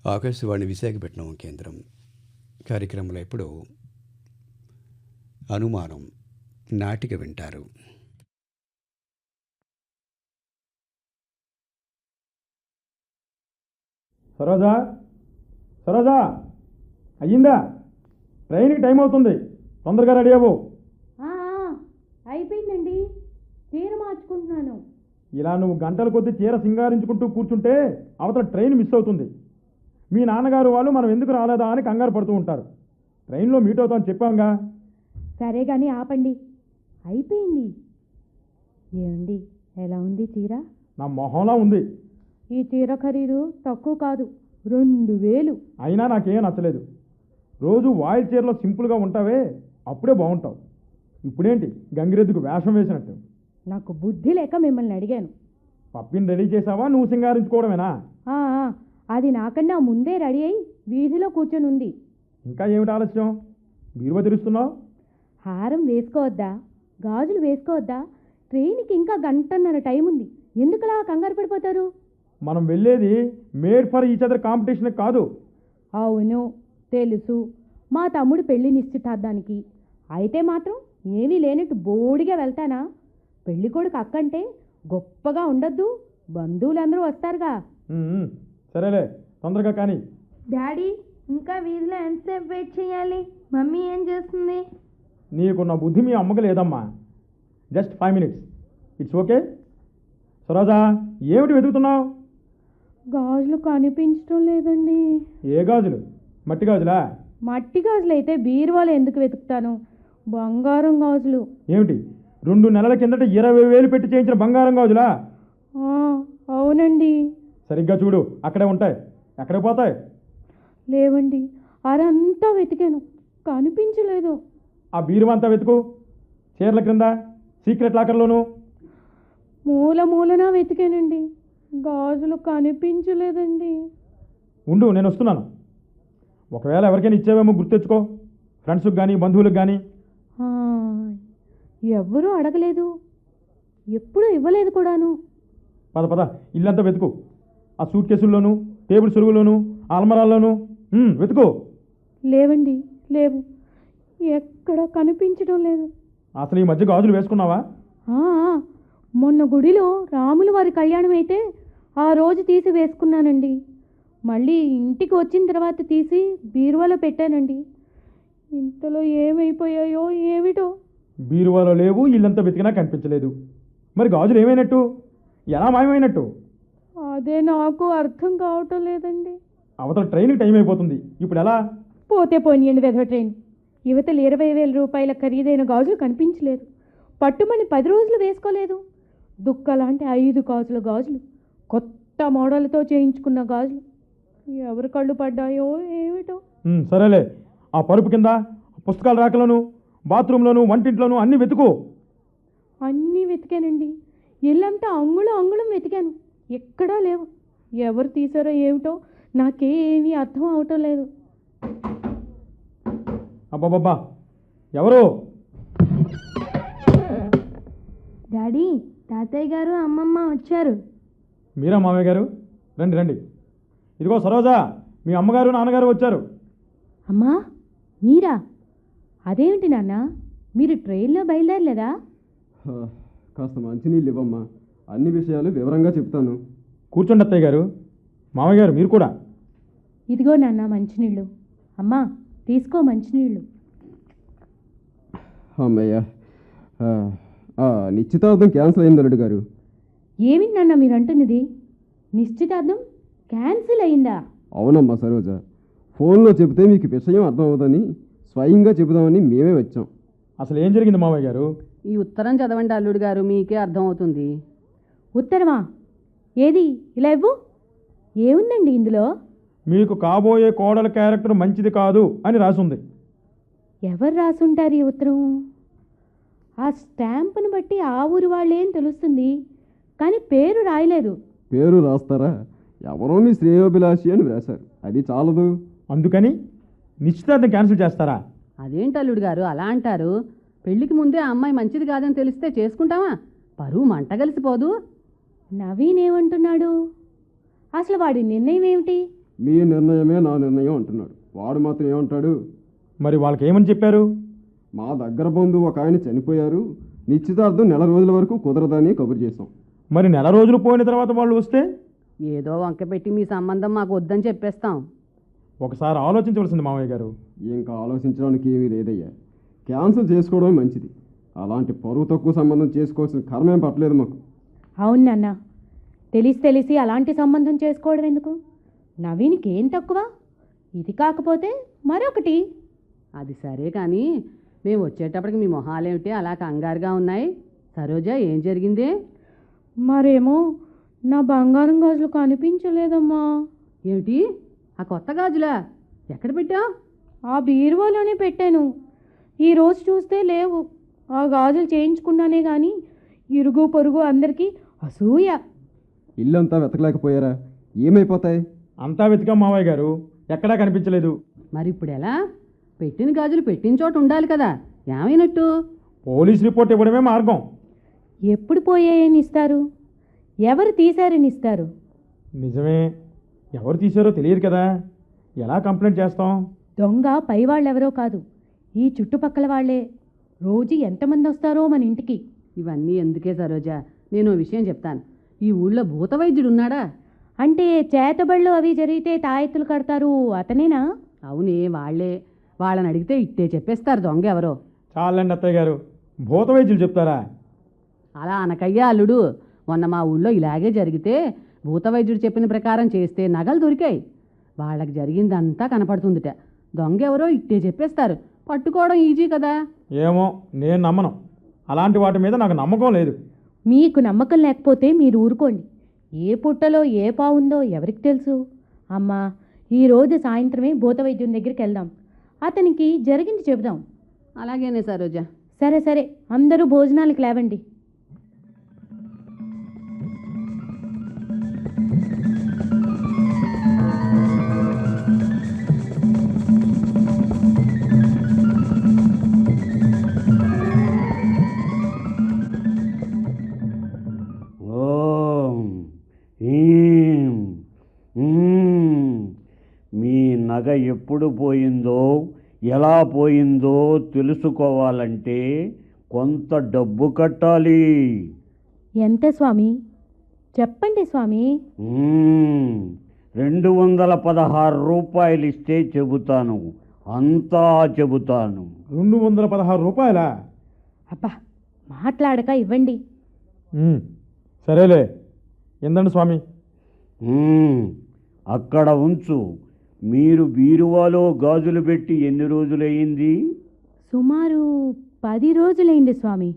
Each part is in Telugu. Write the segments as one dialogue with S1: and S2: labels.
S1: ఆకాశవాణి విశాఖపట్నం కేంద్రం కార్యక్రమంలో ఇప్పుడు అనుమానం నాటిక వింటారు.
S2: సరోజా, సరోజా, అయ్యిందా? ట్రైన్కి టైం అవుతుంది, తొందరగా రెడీ అవ్వు.
S3: అయిపోయిందండి, చీర మార్చుకుంటున్నాను.
S2: ఇలా నువ్వు గంటల కొద్దీ చీర సింగారించుకుంటూ కూర్చుంటే అవతల ట్రైన్ మిస్ అవుతుంది. మీ నాన్నగారు వాళ్ళు మనం ఎందుకు రాలేదా అని కంగారు పడుతూ ఉంటారు. ట్రైన్లో మీట్ అవుతామని చెప్పాంగా.
S3: సరే కానీ ఆపండి, అయిపోయింది. ఏమండి, ఎలా ఉంది చీర?
S2: నా మొహంలా ఉంది.
S3: ఈ చీర ఖరీదు తక్కువ కాదు, 2000.
S2: అయినా నాకేం నచ్చలేదు. రోజు వాయిల్ చీరలో సింపుల్గా ఉంటావే, అప్పుడే బాగుంటావు. ఇప్పుడేంటి గంగిరెద్దుకు వేషం వేసినట్టు?
S3: నాకు బుద్ధి లేక మిమ్మల్ని అడిగాను.
S2: పప్పిని రెడీ చేసావా, నువ్వు సింగారించుకోవడమేనా?
S3: అది నాకన్నా ముందే రెడీ అయి వీధిలో కూర్చొని ఉంది.
S2: ఇంకా ఏమిటి ఆలస్యం? బీరువా తెరుస్తున్నావు?
S3: హారం వేసుకోవద్దా, గాజులు వేసుకోవద్దా? ట్రైన్కి ఇంకా గంటన్నర టైం ఉంది, ఎందుకలా కంగారు పడిపోతారు?
S2: మనం వెళ్ళేది made for each other competition కాదు.
S3: అవును తెలుసు, మా తమ్ముడు పెళ్లి నిశ్చితార్థానికి. అయితే మాత్రం ఏమీ లేనట్టు బోడిగా వెళ్తానా? పెళ్లి కొడుకు అక్కంటే గొప్పగా ఉండద్దు, బంధువులందరూ వస్తారుగా.
S2: సరేలే, తొందరగా కానీ.
S4: డాడీ, ఇంకా వీధిలో ఎంతసేపు వెయిట్ చేయాలి? మమ్మీ ఏం చేస్తుంది?
S2: నీకున్న బుద్ధి మీ అమ్మకి లేదమ్మా. Just 5 minutes, it's okay. Saroja, ఏమిటి వెతుకుతున్నావు?
S3: గాజులు కనిపించడం లేదండి.
S2: ఏ గాజులు? మట్టి గాజులా?
S3: మట్టి గాజులు అయితే బీరువాలో ఎందుకు వెతుకుతాను? బంగారం గాజులు.
S2: ఏమిటి, 2 నెలల కిందట 20,000 పెట్టి చేయించిన బంగారం గాజులా?
S3: అవునండి.
S2: సరిగ్గా చూడు, అక్కడే ఉంటాయి. ఎక్కడికి పోతాయి?
S3: లేవండి, అరంతా వెతికాను, కనిపించలేదు.
S2: ఆ బీరువా అంతా వెతుకు, చీరల క్రింద, సీక్రెట్ లాకర్లోను.
S3: మూలన వెతికానండి, గాజులు కనిపించలేదండి.
S2: ఉండు, నేను వస్తున్నాను. ఒకవేళ ఎవరికైనా ఇచ్చేవేమో గుర్తెచ్చుకో, ఫ్రెండ్స్కి కానీ బంధువులకు కానీ.
S3: ఎవ్వరూ అడగలేదు, ఎప్పుడూ ఇవ్వలేదు కూడాను.
S2: పద పద, ఇల్లంతా వెతుకు. ఆ సూట్ కేసుల్లోనూ, టేబుల్ సురుగులోనూ, అల్మరాల్లోనూ వెతుకు.
S3: లేవండి, లేవు, ఎక్కడ కనిపించడం లేదు.
S2: అసలు ఈ మధ్య గాజులు వేసుకున్నావా?
S3: మొన్న గుడిలో రాముల వారి కళ్యాణం అయితే ఆ రోజు తీసి వేసుకున్నానండి. మళ్ళీ ఇంటికి వచ్చిన తర్వాత తీసి బీరువాలో పెట్టానండి. ఇంతలో ఏమైపోయాయో ఏమిటో.
S2: బీరువాలో లేవు, ఇల్లంతా వెతికినా కనిపించలేదు. మరి గాజులు ఏమైనట్టు? ఎలా మాయమైనట్టు?
S3: అదే నాకు అర్థం కావటం లేదండి.
S2: అవతల ట్రైన్కి టైం అయిపోతుంది, ఇప్పుడు ఎలా?
S3: పోతే పోనీయండి వెధవ ట్రైన్. యువతలు 20,000 రూపాయల ఖరీదైన గాజులు కనిపించలేదు. పట్టుమని 10 రోజులు వేసుకోలేదు. దుక్కలాంటి 5 గాజుల గాజులు, కొత్త మోడల్తో చేయించుకున్న గాజులు, ఎవరి కళ్ళు పడ్డాయో ఏమిటో.
S2: సరేలే, ఆ పరుపు కింద, పుస్తకాల రాకలోను, బాత్రూంలోను, వంటింట్లోనూ అన్నీ వెతుకు.
S3: అన్నీ వెతికానండి, ఇల్లంతా అంగుళం వెతికాను, ఎక్కడా లేవు. ఎవరు తీసారో ఏమిటో నాకేమీ అర్థం అవటం లేదు.
S2: అబ్బాబ్బా, ఎవరు?
S4: డాడీ, తాతయ్య గారు అమ్మమ్మ వచ్చారు.
S2: మీరా మామయ్య గారు? రండి రండి. ఇదిగో సరోజా, మీ అమ్మగారు నాన్నగారు వచ్చారు.
S3: అమ్మా, మీరా? అదేమిటి నాన్న, మీరు ట్రైన్లో బయలుదేరలేదా?
S5: కాస్త మంచినీళ్ళు ఇవ్వమ్మా, అన్ని విషయాలు వివరంగా చెప్తాను.
S2: కూర్చోండి అత్తయ్య గారు. మామయ్య గారు మీరు కూడా.
S3: ఇదిగో నాన్న మంచినీళ్ళు. అమ్మా తీసుకో మంచినీళ్ళు.
S5: అమ్మయ్య, నిశ్చితార్థం క్యాన్సిల్ అయింది అల్లుడు గారు.
S3: ఏమిటి నాన్న మీరు అంటున్నది? నిశ్చితార్థం క్యాన్సిల్ అయిందా?
S5: అవునమ్మా సరోజ, ఫోన్లో చెబితే మీకు విషయం అర్థం అవుతుందని స్వయంగా చెబుదామని మేమే వచ్చాం.
S2: అసలు ఏం జరిగింది మామయ్య గారు?
S6: ఈ ఉత్తరం చదవండి అల్లుడు గారు, మీకే అర్థమవుతుంది.
S3: ఉత్తరమా? ఏది, ఇలా ఇవ్వు. ఏముందండి ఇందులో?
S2: మీకు కాబోయే కోడల క్యారెక్టర్ మంచిది కాదు అని రాసుంది.
S3: ఎవరు రాసుంటారు ఈ ఉత్తరం? ఆ స్టాంపును బట్టి ఆ ఊరి వాళ్ళేం తెలుస్తుంది, కానీ పేరు రాయలేదు.
S5: పేరు రాస్తారా? ఎవరో మీ శ్రేయోభిలాషి అని వ్రాశారు, అది చాలదు.
S2: అందుకని నిశ్చితార్థం క్యాన్సిల్ చేస్తారా?
S6: అదేంటి అల్లుడు గారు అలా అంటారు? పెళ్లికి ముందే ఆ అమ్మాయి మంచిది కాదని తెలిస్తే చేసుకుంటామా? పరువు మంట కలిసిపోదు.
S3: నవీన్ ఏమంటున్నాడు? అసలు వాడి నిర్ణయం ఏమిటి?
S5: మీ నిర్ణయమే నా నిర్ణయం అంటున్నాడు. వాడు మాత్రం ఏమంటాడు?
S2: మరి వాళ్ళకి ఏమని చెప్పారు?
S5: మా దగ్గర బంధువు ఒక ఆయన చనిపోయారు, నిశ్చితార్థం నెల రోజుల వరకు కుదరదని కబురు చేశాం.
S2: మరి నెల రోజులు పోయిన తర్వాత వాళ్ళు వస్తే
S6: ఏదో వంక పెట్టి మీ సంబంధం మాకు వద్దని చెప్పేస్తాం.
S2: ఒకసారి ఆలోచించవలసింది మామయ్య గారు.
S5: ఇంకా ఆలోచించడానికి ఏమీ లేదయ్యా. క్యాన్సిల్ చేసుకోవడమే మంచిది. అలాంటి పరువు తక్కువ సంబంధం చేసుకోవాల్సిన కర్మేం పట్టలేదు మాకు.
S3: అవును నాన్న, తెలిసి అలాంటి సంబంధం చేసుకోవడం ఎందుకు? నవీన్కి ఏం తక్కువ? ఇది కాకపోతే మరొకటి.
S6: అది సరే కానీ మేము వచ్చేటప్పటికి మీ మొహాలేమిటి అలా కంగారుగా ఉన్నాయి? సరోజ, ఏం జరిగింది?
S3: మరేమో నా బంగారం గాజులు కనిపించలేదమ్మా.
S6: ఏమిటి? ఆ కొత్త గాజులా? ఎక్కడ పెట్టావు?
S3: ఆ బీరువాలోనే పెట్టాను. ఈరోజు చూస్తే లేవు. ఆ గాజులు చేయించుకున్నానే కానీ ఇరుగు పొరుగు అందరికీ అసూయ.
S5: ఇల్లంతా వెతకలేకపోయారా? ఏమైపోతాయి?
S2: అంతా వెతికాం మామయ్య గారు, ఎక్కడా కనిపించలేదు.
S6: మరి ఇప్పుడు ఎలా? పెట్టిన గాజులు పెట్టిన చోట ఉండాలి కదా, ఏమైనట్టు?
S2: పోలీస్ రిపోర్ట్ ఇవ్వడమే మార్గం.
S3: ఎప్పుడు పోయాయని ఇస్తారు? ఎవరు తీశారని ఇస్తారు?
S2: నిజమే, ఎవరు తీశారో తెలియదు కదా, ఎలా కంప్లైంట్ చేస్తాం?
S3: దొంగ పైవాళ్ళెవరో కాదు, ఈ చుట్టుపక్కల వాళ్ళే. రోజు ఎంతమంది వస్తారో మన ఇంటికి.
S6: ఇవన్నీ ఎందుకే సరోజ, నేను ఓ విషయం చెప్తాను. ఈ ఊళ్ళో భూత వైద్యుడు ఉన్నాడా?
S3: అంటే చేతబళ్ళు అవి జరిగితే తాయెత్తులు కడతారు, అతనేనా?
S6: అవునే, వాళ్ళే. వాళ్ళని అడిగితే ఇట్టే చెప్పేస్తారు దొంగ ఎవరో.
S2: చాలండి అత్తయ్య గారు, భూత వైద్యులు చెప్తారా?
S6: అలా అనకయ్యా అల్లుడు. మొన్న మా ఊళ్ళో ఇలాగే జరిగితే భూత వైద్యుడు చెప్పిన ప్రకారం చేస్తే నగలు దొరికాయి. వాళ్ళకి జరిగిందంతా కనపడుతుందిట. దొంగ ఎవరో ఇట్టే చెప్పేస్తారు. పట్టుకోవడం ఈజీ కదా.
S2: ఏమో, నేను నమ్మను. అలాంటి వాటి మీద నాకు నమ్మకం లేదు.
S3: మీకు నమ్మకం లేకపోతే మీరు ఊరుకోండి. ఏ పుట్టలో ఏ పావుందో ఎవరికి తెలుసు? అమ్మా, ఈరోజు సాయంత్రమే భూత వైద్యుని దగ్గరికి వెళ్దాం. అతనికి జరిగింది చెబుదాం.
S6: అలాగేనే సరోజ.
S3: సరే, అందరూ భోజనాలకు లేవండి.
S7: ఓం హ్రీం హ్రీం. మీ నగ ఎప్పుడు పోయిందో ఎలా పోయిందో తెలుసుకోవాలంటే కొంత డబ్బు కట్టాలి.
S3: ఎంత స్వామి? చెప్పండి స్వామి.
S7: 216 రూపాయలు ఇస్తే చెబుతాను, అంతా చెబుతాను.
S2: 216 రూపాయలా?
S3: అబ్బా, మాట్లాడక ఇవ్వండి.
S2: సరేలే, ఎందండి స్వామి.
S7: అక్కడ ఉంచు. మీరు బీరువాలో గాజులు పెట్టి ఎన్ని రోజులయ్యింది?
S3: సుమారు 10 రోజులైంది స్వామి.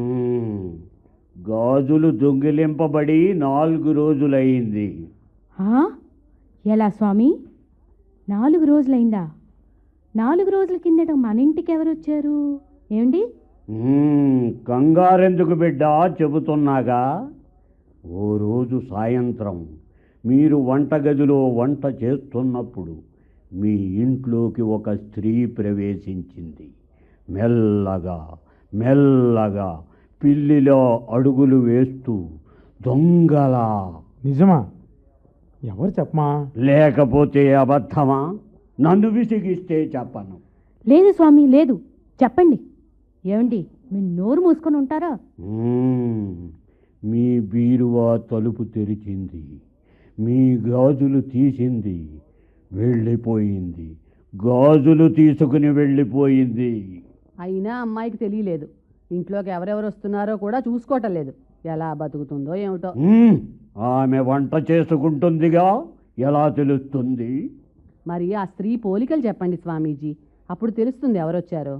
S7: గాజులు దొంగిలింపబడి 4 రోజులయ్యింది.
S3: ఎలా స్వామి? 4 రోజులైందా? 4 రోజుల కిందట మన ఇంటికి ఎవరు వచ్చారు ఏమండి?
S7: కంగారెందుకు బిడ్డ, చెబుతున్నాగా. ఓ రోజు సాయంత్రం మీరు వంటగదిలో వంట చేస్తున్నప్పుడు మీ ఇంట్లోకి ఒక స్త్రీ ప్రవేశించింది. మెల్లగా మెల్లగా పిల్లిలో అడుగులు వేస్తూ దొంగలా.
S2: నిజమా? ఎవరు చెప్పమా?
S7: లేకపోతే అబద్ధమా? నన్ను విసిగిస్తే చెప్పను.
S3: లేదు స్వామి, లేదు, చెప్పండి. ఏమండి, మీరు నోరు మూసుకొని ఉంటారా?
S7: మీ బీరువా తలుపు తెరిచింది, మీ గాజులు తీసింది, వెళ్ళిపోయింది. గాజులు తీసుకుని వెళ్ళిపోయింది.
S6: అయినా అమ్మాయికి తెలియలేదు. ఇంట్లోకి ఎవరెవరు వస్తున్నారో కూడా చూసుకోవటం లేదు. ఎలా బతుకుతుందో ఏమిటో.
S7: ఆమె వంట చేసుకుంటుందిగా, ఎలా తెలుస్తుంది?
S6: మరి ఆ స్త్రీ పోలికలు చెప్పండి స్వామీజీ, అప్పుడు తెలుస్తుంది ఎవరొచ్చారో.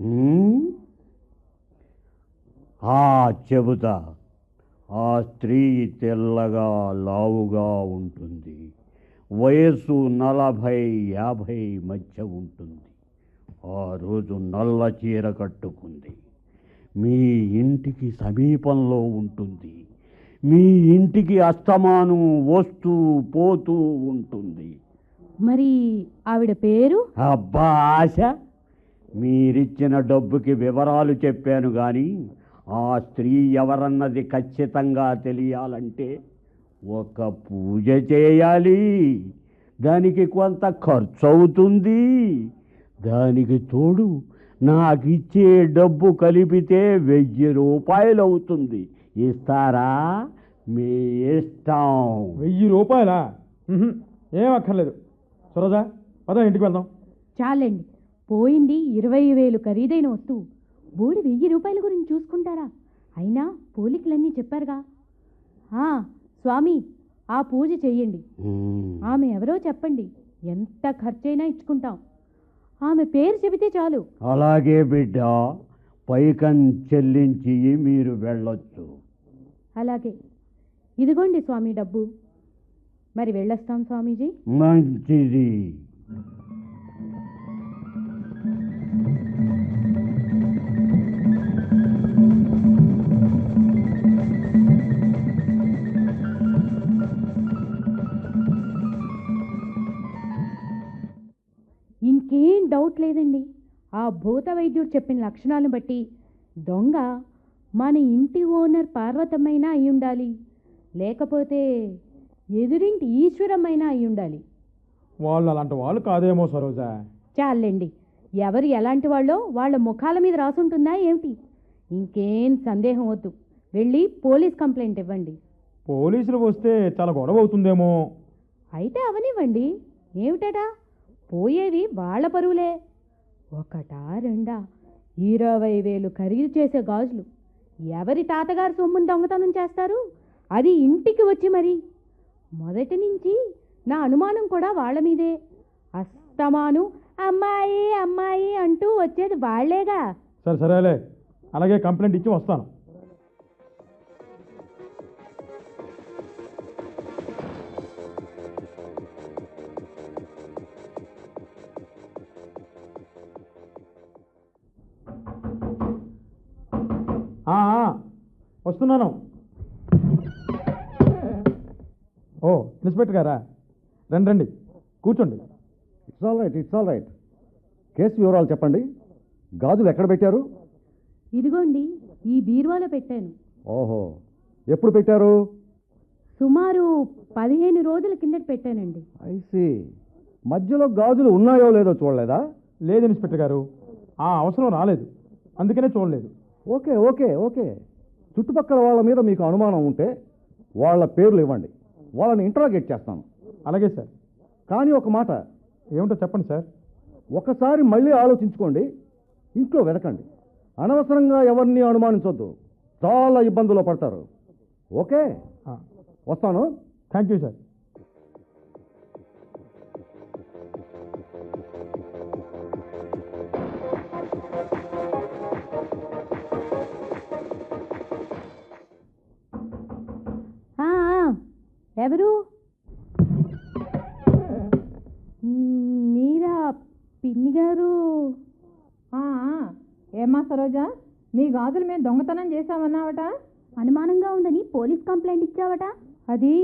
S7: చెబుతా. ఆ స్త్రీ తెల్లగా లావుగా ఉంటుంది. వయస్సు 40-50 మధ్య ఉంటుంది. ఆ రోజు నల్ల చీర కట్టుకుంది. మీ ఇంటికి సమీపంలో ఉంటుంది. మీ ఇంటికి అస్తమానం వస్తూ పోతూ ఉంటుంది.
S3: మరి ఆవిడ పేరు?
S7: అబ్బా ఆశ, మీరిచ్చిన డబ్బుకి వివరాలు చెప్పాను కానీ ఆ స్త్రీ ఎవరన్నది ఖచ్చితంగా తెలియాలంటే ఒక పూజ చేయాలి. దానికి కొంత ఖర్చు అవుతుంది. దానికి తోడు నాకు ఇచ్చే డబ్బు కలిపితే 1000 రూపాయలు అవుతుంది. ఇస్తారా? మీ ఇష్టం.
S2: 1000 రూపాయలా? ఏం అక్కర్లేదు. సరోజా, పద ఇంటికి వెళ్దాం.
S3: చాలండి, పోయింది 20,000 ఖరీదైన వస్తువు. బోడి 1000 రూపాయల గురించి చూసుకుంటారా? అయినా పోలికలన్నీ చెప్పారుగా. స్వామి, ఆ పూజ చెయ్యండి. ఆమె ఎవరో చెప్పండి, ఎంత ఖర్చైనా ఇచ్చుకుంటాం. ఆమె పేరు చెబితే చాలు.
S7: అలాగే బిడ్డ, పైకం చెల్లించి మీరు వెళ్ళొచ్చు.
S3: అలాగే, ఇదిగోండి స్వామి డబ్బు. మరి వెళ్ళొస్తాం స్వామీజీ.
S7: మంచిది.
S3: ఇంకేం డౌట్ లేదండి. ఆ భూత వైద్యుడు చెప్పిన లక్షణాలను బట్టి దొంగ మన ఇంటి ఓనర్ పార్వతమ్మైనా అయి ఉండాలి, లేకపోతే ఎదురింటి ఈశ్వరమైనా అయి ఉండాలి.
S2: వాళ్ళు అలాంటి వాళ్ళు కాదేమో సరోజా.
S3: చాలండి, ఎవరు ఎలాంటి వాళ్ళో వాళ్ళ ముఖాల మీద రాసుంటుందా ఏమిటి? ఇంకేం సందేహం వద్దు, వెళ్ళి పోలీస్ కంప్లైంట్ ఇవ్వండి.
S2: పోలీసులు వస్తే చాలా గొడవ అవుతుందేమో.
S3: అయితే అవనివ్వండి, ఏమిటటా? పోయేవి వాళ్ళ పరువులే. ఒకటా రెండా 20,000 ఖరీదు చేసే గాజులు ఎవరి తాతగారు సొమ్మును దొంగతనం చేస్తారు? అది ఇంటికి వచ్చి మరి. మొదటి నుంచి నా అనుమానం కూడా వాళ్ళ మీదే. అస్తమాను అమ్మాయి అమ్మాయి అంటూ వచ్చేది వాళ్లేగా.
S2: సరేలే, అలాగే కంప్లైంట్ ఇచ్చి వస్తాను. వస్తున్నాను. ఓ, ఇన్స్పెక్టర్ గారా? రండి, కూర్చోండి.
S8: It's all right. కేసు వివరాలు చెప్పండి. గాజులు ఎక్కడ పెట్టారు?
S3: ఇదిగోండి, ఈ బీరువాలో పెట్టాను.
S8: ఓహో, ఎప్పుడు పెట్టారు?
S3: సుమారు 15 రోజుల కిందట పెట్టానండి.
S8: ఐసి. మధ్యలో గాజులు ఉన్నాయో లేదో చూడలేదా?
S2: లేదు ఇన్స్పెక్టర్ గారు, ఆ అవసరం రాలేదు, అందుకనే చూడలేదు.
S8: ఓకే. చుట్టుపక్కల వాళ్ళ మీద మీకు అనుమానం ఉంటే వాళ్ళ పేర్లు ఇవ్వండి, వాళ్ళని ఇంటరాగేట్ చేస్తాను.
S2: అలాగే సార్.
S8: కానీ ఒక మాట.
S2: ఏమిటో చెప్పండి సార్.
S8: ఒకసారి మళ్ళీ ఆలోచించుకోండి, ఇంట్లో వెతకండి. అనవసరంగా ఎవరిని అనుమానించొద్దు, చాలా ఇబ్బందులు పడతారు. ఓకే, వస్తాను.
S2: Thank you sir.
S3: ఎవరు? మీరా పిన్ని గారు?
S9: ఏమ్మా సరోజా, మీ గాజులు మేము దొంగతనం చేశామన్నావట.
S3: అనుమానంగా ఉందని పోలీస్ కంప్లైంట్ ఇచ్చావట. అది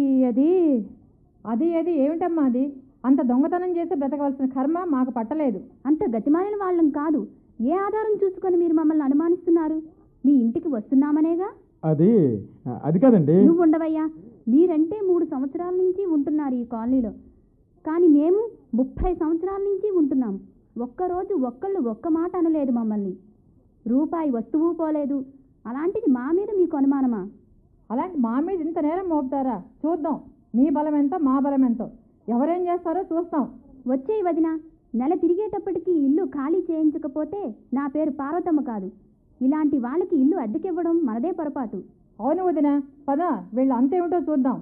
S9: ఏమిటమ్మా అది? అంత దొంగతనం చేసి బ్రతకవలసిన కర్మ మాకు పట్టలేదు.
S3: అంత గతిమాలిన వాళ్ళం కాదు. ఏ ఆధారం చూసుకొని మీరు మమ్మల్ని అనుమానిస్తున్నారు? మీ ఇంటికి వస్తున్నామనేగా.
S2: అది కాదండి.
S3: నువ్వు ఉండవయ్యా. మీరంటే 3 సంవత్సరాల నుంచి ఉంటున్నారు ఈ కాలనీలో, కానీ మేము 30 సంవత్సరాల నుంచి ఉంటున్నాం. ఒక్కరోజు ఒక్కళ్ళు ఒక్క మాట అనలేదు మమ్మల్ని. రూపాయి వస్తువు పోలేదు. అలాంటిది మా మీద మీకు అనుమానమా?
S9: అలాంటి మా మీద ఇంత నేరం మోపుతారా? చూద్దాం మీ బలం ఎంతో మా బలం ఎంతో. ఎవరేం చేస్తారో చూస్తాం.
S3: వచ్చేయి వదిన. నెల తిరిగేటప్పటికి ఇల్లు ఖాళీ చేయించకపోతే నా పేరు పార్వతమ్మ కాదు. ఇలాంటి వాళ్ళకి ఇల్లు అద్దెకివ్వడం మనదే పొరపాటు.
S9: అవును వదిన, పద వీళ్ళు అంతేమిటో చూద్దాం.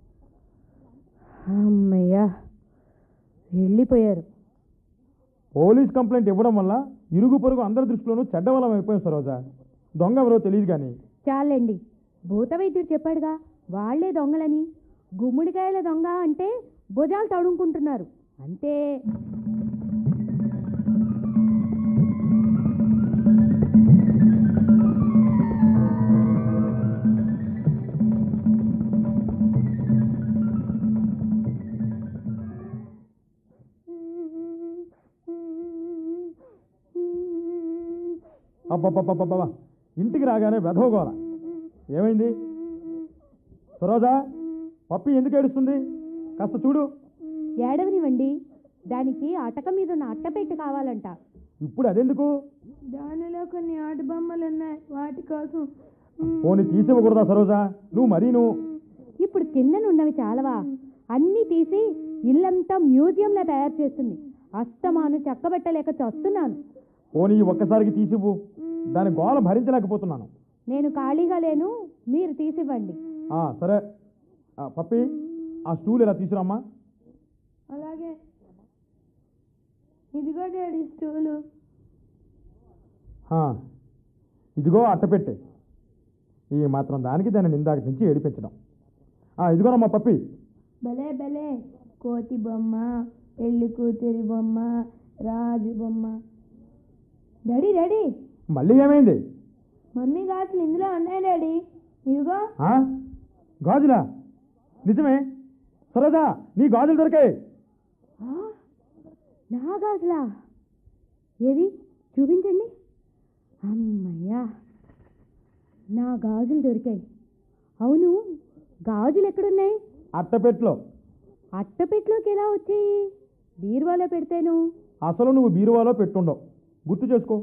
S3: అమ్మయ్యా, వెళ్ళిపోయారు.
S2: పోలీస్ కంప్లైంట్ ఇవ్వడం వల్ల ఇరుగు పొరుగు అందరి దృష్టిలోనూ చెడ్డవలం అయిపోయాం సరోజా. దొంగ ఎవరో తెలియదు కానీ.
S3: చాలండి, భూత వైద్యుడు చెప్పాడుగా వాళ్లే దొంగలని. గుమ్మడికాయల దొంగ అంటే భుజాలు తడుముకుంటున్నారు అంతే.
S2: అబ్బబ్బబ్బబ్బా, ఇంటికి రాగానే వెధవగోల. ఏమైంది సరోజా? పప్పి ఎందుకు ఏడుస్తుంది? కాస్త చూడు.
S3: ఏడవనివ్వండి. దానికి అటక మీద ఉన్న అట్టపెట్టు కావాలంట.
S2: ఇప్పుడు అదెందుకు?
S4: దానిలో కొన్ని ఆట బొమ్మలు ఉన్నాయి, వాటి కోసం.
S2: పోనీ తీసివ్వకూడదా సరోజా? నువ్వు
S3: ఇప్పుడు కిందనున్నవి చాలవా? అన్నీ తీసి ఇల్లంతా మ్యూజియంలా తయారు చేస్తుంది. అస్తమాను చక్కబెట్టలేక చస్తున్నాను.
S2: పోనీ ఒక్కసారికి తీసివ్వు, దాని గోల భరించలేకపోతున్నాను.
S3: నేను ఖాళీగా లేను, మీరు తీసివ్వండి.
S2: సరే పప్పి, ఆ స్టూల్ ఇలా తీసుకురామ్మా.
S4: అలాగే. ఇదిగో డాడీ స్టూలు.
S2: ఇదిగో అట్టపెట్టే. ఈ మాత్రం దానికి దాన్ని నిందాక నుంచి ఏడిపించడం. ఇదిగోనమ్మా పప్పి.
S4: భలే భలే, కోతి బొమ్మ, పెళ్లి కూతురి బొమ్మ, రాజు బొమ్మ. డాడీ డాడీ,
S2: మళ్ళీ ఏమైంది?
S4: మమ్మీ గాజులు ఇందులో ఉన్నాయి డాడీ. ఇదిగో.
S2: గాజులా? నిజమే సరోజా, నీ గాజులు దొరికాయి.
S3: నా గాజులా? ఏది చూపించండి. అమ్మయ్యా, నా గాజులు దొరికాయి. అవును, గాజులు ఎక్కడున్నాయి?
S2: అట్టపెట్లో.
S3: అట్టపెట్లోకి ఎలా వచ్చాయి? బీరువాలో పెడితేను.
S2: అసలు నువ్వు బీరువాలో పెట్టుండవు, గుర్తు చేసుకో.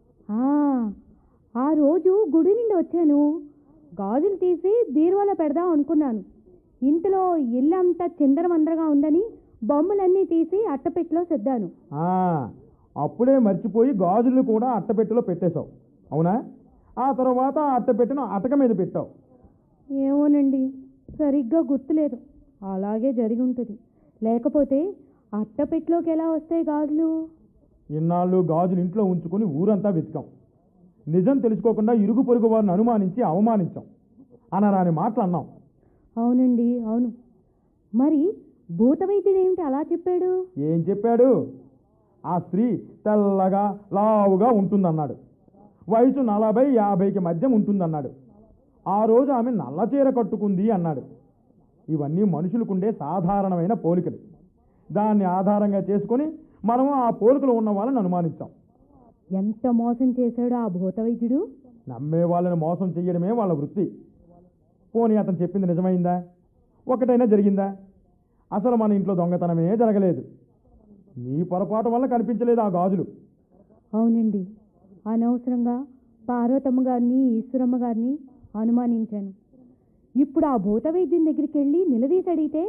S3: ఆ రోజు గుడి నుండి వచ్చాను, గాజులు తీసి బీరువాలో పెడదాం అనుకున్నాను. ఇంట్లో ఇల్లంతా చిందరమందరగా ఉందని బొమ్మలన్నీ తీసి అట్టపెట్టిలో సర్దాను.
S2: అప్పుడే మర్చిపోయి గాజులను కూడా అట్టపెట్టిలో పెట్టేశావు, అవునా? ఆ తర్వాత అట్టపెట్టిన అటక మీద పెట్టావు.
S3: ఏమోనండి, సరిగ్గా గుర్తులేదు. అలాగే జరిగి ఉంటుంది. లేకపోతే అట్టపెట్టిలోకి ఎలా వస్తాయి గాజులు?
S2: ఇన్నాళ్ళు గాజులు ఇంట్లో ఉంచుకొని ఊరంతా వెతికాం. నిజం తెలుసుకోకుండా ఇరుగు పొరుగు వారిని అనుమానించి అవమానించాం. అనరాని మాటలు అన్నాం.
S3: అవునండి, అవును. మరి భూత వైద్యుడు ఏమిటి అలా చెప్పాడు?
S2: ఏం చెప్పాడు? ఆ స్త్రీ తెల్లగా లావుగా ఉంటుందన్నాడు. వయసు 40-50కి మధ్య ఉంటుందన్నాడు. ఆ రోజు ఆమె నల్ల చీర కట్టుకుంది అన్నాడు. ఇవన్నీ మనుషులకుండే సాధారణమైన పోలికలు. దాన్ని ఆధారంగా చేసుకొని మనము ఆ పోలికలు ఉన్న వాళ్ళని అనుమానించాం.
S3: ఎంత మోసం చేశాడు ఆ భూత వైద్యుడు!
S2: నమ్మే వాళ్ళని మోసం చెయ్యడమే వాళ్ళ వృత్తి. పోనీ అతను చెప్పింది నిజమైందా? ఒకటైనా జరిగిందా? అసలు మన ఇంట్లో దొంగతనమే జరగలేదు. నీ పొరపాటు వల్ల కనిపించలేదు ఆ గాజులు.
S3: అవునండి, అనవసరంగా పార్వతమ్మ గారిని, ఈశ్వరమ్మ గారిని అనుమానించాను. ఇప్పుడు ఆ భూత వైద్యుని దగ్గరికి వెళ్ళి నిలదీసి అడిగితే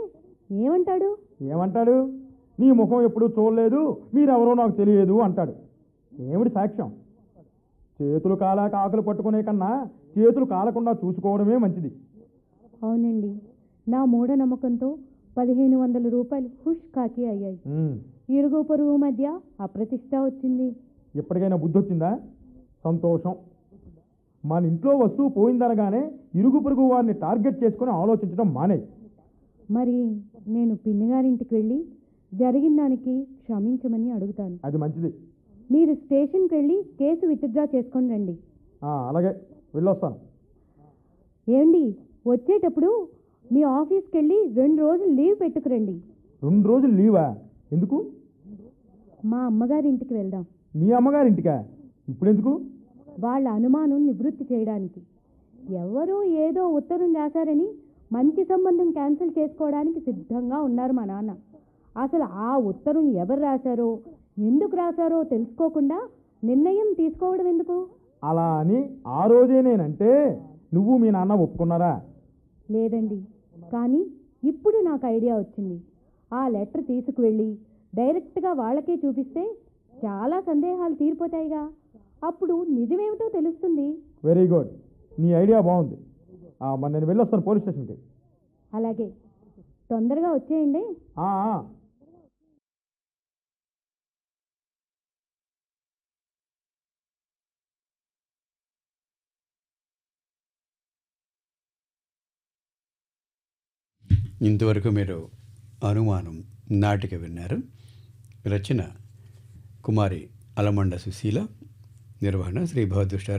S3: ఏమంటాడు?
S2: నీ ముఖం ఎప్పుడూ చూడలేదు, మీరెవరో నాకు తెలియదు అంటాడు. ఏమిటి సాక్ష్యం? చేతులు కాలాక ఆకులు పట్టుకునే కన్నా చేతులు కాలకుండా చూసుకోవడమే మంచిది.
S3: అవునండి, నా మూఢనమ్మకంతో 1500 రూపాయలు హుష్ కాకి అయ్యాయి. ఇరుగు పొరుగు మధ్య అప్రతిష్ట వచ్చింది.
S2: ఎప్పటికైనా బుద్ధి వచ్చిందా? సంతోషం. మన ఇంట్లో వస్తువు పోయిందనగానే ఇరుగు పొరుగు వారిని టార్గెట్ చేసుకుని ఆలోచించడం మానేయి.
S3: మరి నేను పిన్నిగారింటికి వెళ్ళి జరిగిన దానికి క్షమించమని అడుగుతాను.
S2: అది మంచిది.
S3: మీరు స్టేషన్కి వెళ్ళి కేసు విత్డ్రా చేసుకొని రండి.
S2: అలాగే, వెళ్ళొస్తాను.
S3: ఏమండి, వచ్చేటప్పుడు మీ ఆఫీస్కి వెళ్ళి 2 రోజులు లీవ్ పెట్టుకురండి.
S2: 2 రోజులు లీవా? ఎందుకు?
S3: మా అమ్మగారింటికి వెళ్దాం.
S2: మీ అమ్మగారింటికా? ఇప్పుడెందుకు?
S3: వాళ్ళ అనుమానం నివృత్తి చేయడానికి. ఎవరో ఏదో ఉత్తరం రాశారని మంచి సంబంధం క్యాన్సిల్ చేసుకోవడానికి సిద్ధంగా ఉన్నారు మా నాన్న. అసలు ఆ ఉత్తరం ఎవరు రాశారో, ఎందుకు రాశారో తెలుసుకోకుండా నిర్ణయం తీసుకోవడం ఎందుకు?
S2: అలా అని ఆ రోజే నేనంటే నువ్వు మీ నాన్న ఒప్పుకున్నారా?
S3: లేదండి, కానీ ఇప్పుడు నాకు ఐడియా వచ్చింది. ఆ లెటర్ తీసుకువెళ్ళి డైరెక్ట్గా వాళ్ళకే చూపిస్తే చాలా సందేహాలు తీరిపోతాయిగా. అప్పుడు నిజమేమిటో తెలుస్తుంది.
S2: వెరీ గుడ్, నీ ఐడియా బాగుంది. మరి నేను వెళ్ళొస్తాను పోలీస్ స్టేషన్కి.
S3: అలాగే, తొందరగా వచ్చేయండి.
S1: ఇంతవరకు మీరు అనుమానం నాటిక విన్నారు. రచన కుమారి అలమండ సుశీల, నిర్వహణ శ్రీ భవదృష్ట